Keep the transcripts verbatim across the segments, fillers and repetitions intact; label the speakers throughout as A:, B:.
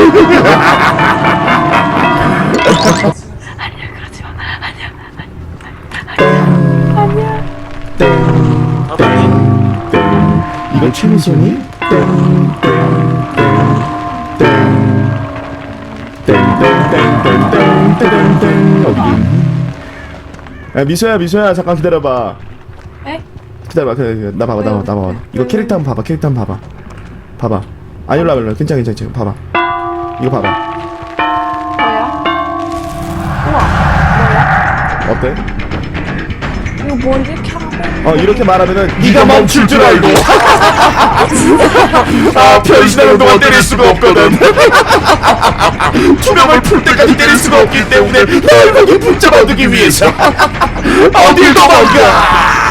A: 아니야 그러지 마. 아니야. 아니야.
B: 땡, 땡, 땡. 이거 최미선이? 땡, 땡, 땡, 땡, 땡, 땡, 땡, 땡, 땡, 땡. 어디? 야, 미소야, 미소야, 잠깐 기다려봐.
A: 에?
B: 기다려봐, 기다려, 나 봐봐, 나 봐봐, 나 봐봐. 이거
A: 왜요?
B: 캐릭터 한번 봐봐, 캐릭터 한번 봐봐. 봐봐. 아니, 일로 와봐, 일로 와. 괜찮아, 괜찮아, 괜찮아. 봐봐. 이거 봐봐.
A: 뭐야? 우와. 뭐야?
B: 어때?
A: 이거 뭐 이렇게 하고?
B: 어, 이렇게 말하면은 네가 멈출 줄 알고. 아, 변신하는 동안 때릴 수가 없거든. 투명을 풀 때까지 때릴 수가 없기 때문에 널 거기 붙잡아두기 위해서 어딜 도망가.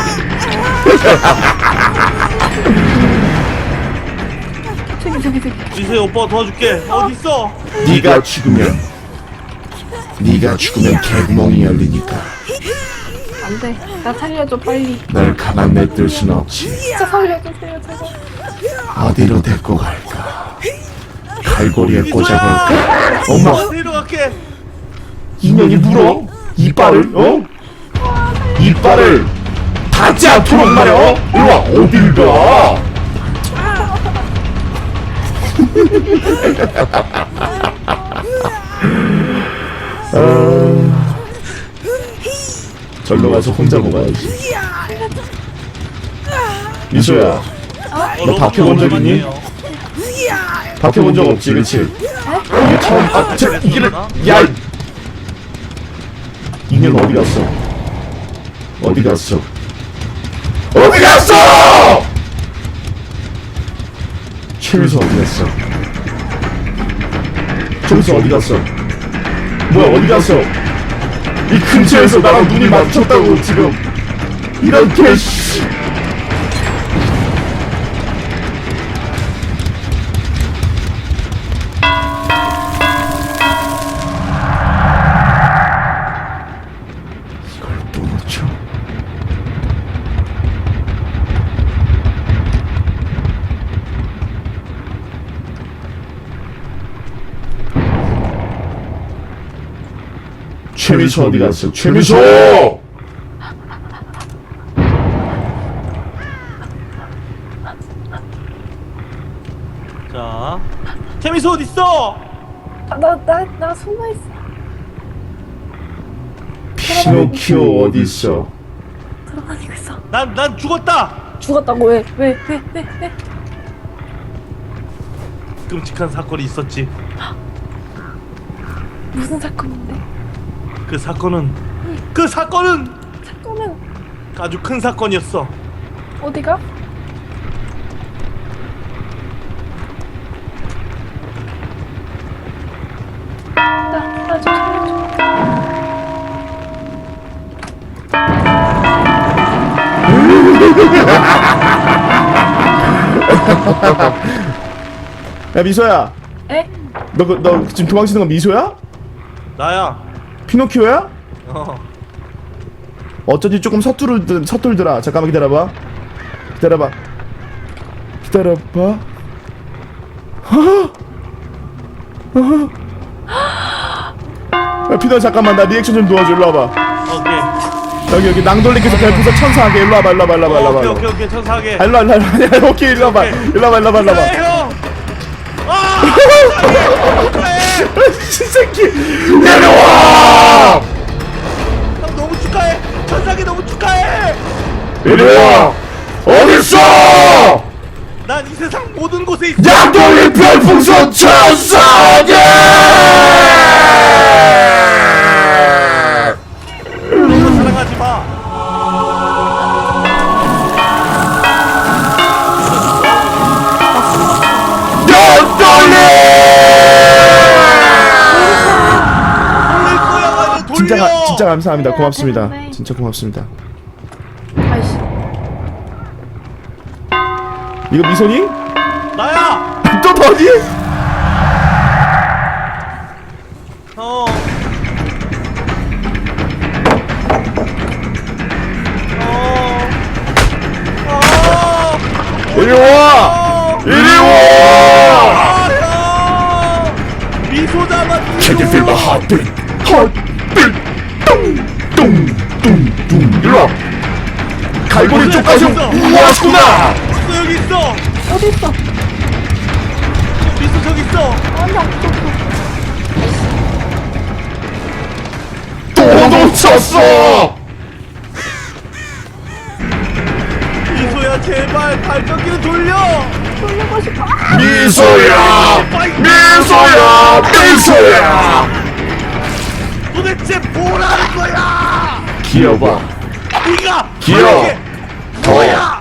A: 저기 저기 저기.
C: 미소야 오빠가 도와줄게. 어디 있어?
B: 네가 죽으면 네가 죽으면 개구멍이 열리니까
A: 안돼. 나 살려줘 빨리.
B: 널 가만 냅둘 순 없지.
A: 진짜 살려주세요 제발.
B: 어디로 데리고 갈까? 갈고리에 꽂아볼까? 엄마,
C: 데려갈게.
B: 인연이 물어? 이빨을? 어? 이빨을 닿지 않도록 말이야. 어? 일로와. 어딜 가? 아... 절로 가서 혼자 먹어야지. 미소야, 너 밖에 본 적 있니? 밖에 본 적 없지, 그치? 이게 처음, 아, 저, 이게, 야! 이- 이년 어디 갔어? 어디 갔어? 어디 갔어! 최미수 어디 갔어? 최미수 어디 갔어? 뭐야, 어디 갔어? 이 근처에서 나랑 눈이 마주쳤다고, 지금. 이런 개, 씨. 이걸 또 놓쳐. 최미수 어디 갔어? 최미수!
C: 자, 태미소 어디 있어?
A: 나나 나 숨어 있어.
B: 피노키오 어디 있어?
A: 돌아다니고 있어.
C: 난 난 죽었다.
A: 죽었다고 왜? 왜? 왜? 왜? 왜?
C: 끔찍한 사건이 있었지.
A: 무슨 사건인데?
C: 그 사건은 그 사건은
A: 사건은
C: 아주 큰 사건이었어.
A: 어디가? 나나 좀 살려줘.
B: 야, 미소야.
A: 에?
B: 너, 그- 너 지금 도망치는 건 미소야?
C: 나야.
B: 피노키오야?
C: 어.
B: 어쩐지 조금 서투르, 서툴더라. 잠깐만 기다려봐. 기다려봐. 기다려봐. 허허. 허허. 야, 피노 잠깐만. 나 리액션 좀 도와줘. 일로 와봐.
C: 오케이.
B: 여기, 여기 낭돌리께서 별풍선 천사하게. 일로 와봐, 일로 와봐, 일로 와봐, 일로 와봐.
C: 오케이 오케이 오케이 천사하게.
B: 아, 일로 와, 일로 와, 일로 와. 오케이, 일로 와봐. 일로 와봐, 일로 와봐, 일로 와봐.
C: 그래 형. 아!
B: 이 새끼. 내려와!
C: 형 너무 축하해. 천사게 너무 축하해.
B: 이리 와! 어딨어!
C: 난 이 세상 모든 곳에 있어.
B: 양돌리 별풍선 천사게!
C: 너무 사랑하지 마.
B: 양돌리!
C: 돌릴 거야 나는 돌려.
B: 진짜, 가, 진짜 감사합니다. 고맙습니다.
A: 네.
B: 진짜 고맙습니다.
A: 아이씨.
B: 이거 미소니?
C: 나야.
B: 또 너니?
C: 어. 어. 어.
B: 이리 와!
C: 어.
B: 이리 와!
C: 아, 형.
B: Can you feel my heartbeat? Heartbeat. 뚱뚱뚱뚱. 일로 와. 갈고리 쪽까지 왔구나.
C: 있어 여기 있어.
A: 어디 있어?
C: 미소 저기 있어.
A: 아니 없어.
B: 또 놓쳤어.
C: 미소야 제발 발전기를 돌려.
A: 돌리고 싶어.
B: 미소야. 미소야. 미소야.
C: 도대체 뭐라는 거야?
B: 기어봐.
C: 네가
B: 귀여워.
C: 이게
B: 더.
C: 뭐야?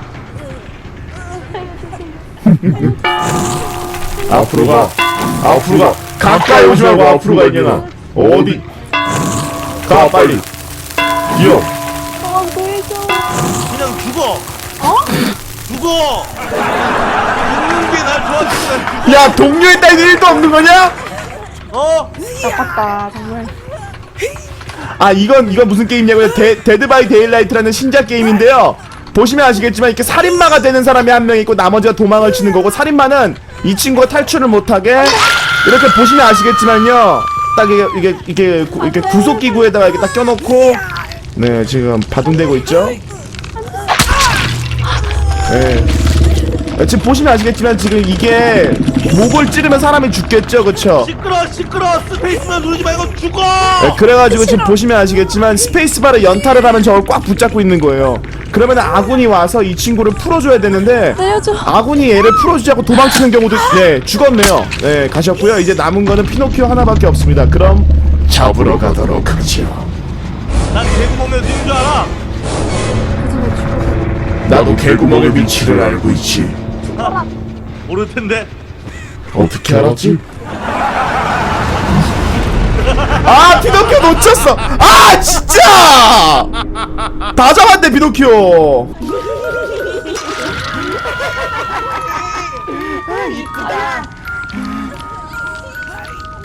B: 앞으로 가. 앞으로 가. 가까이 오지 말고 앞으로 가, 이년아. 어디? 가, 빨리. 기어.
A: 아 보여줘.
C: 그냥 죽어.
A: 어?
C: 죽어. 죽는 게 날 좋아지는 거야.
B: 야, 동료에 따윈 일도 없는 거냐?
C: 어?
A: 나빴다 정말.
B: 아, 이건 이건 무슨 게임이냐고요? 데, 데드 바이 데일라이트라는 신작 게임인데요. 보시면 아시겠지만 이렇게 살인마가 되는 사람이 한 명 있고 나머지가 도망을 치는 거고, 살인마는 이 친구가 탈출을 못하게 이렇게 보시면 아시겠지만요. 딱 이게 이게 이게, 구, 이렇게 구속 기구에다가 이렇게 딱 껴놓고, 네, 지금 바둥대고 있죠. 네. 지금 보시면 아시겠지만 지금 이게 목을 찌르면 사람이 죽겠죠, 그쵸?
C: 시끄러 시끄러 스페이스만 누르지 말고 죽어.
B: 네, 그래가지고 지금 보시면 아시겠지만 스페이스바를 연타를 하면 저걸 꽉 붙잡고 있는 거예요. 그러면 아군이 와서 이 친구를 풀어줘야 되는데,
A: 내려줘.
B: 아군이 얘를 풀어주지 않고 도망치는 경우도, 네, 죽었네요. 네, 가셨고요. 이제 남은 거는 피노키오 하나밖에 없습니다. 그럼 잡으러 가도록 하죠.
C: 난 개구멍에 있는 줄 알아.
B: 나도 개구멍의 위치를 알고 있지.
C: 아, 모를 텐데.
B: 어떻게 알았지? 아, 피노키오 놓쳤어. 아, 진짜! 다 잡았네, 피노키오.
C: 이쁘다.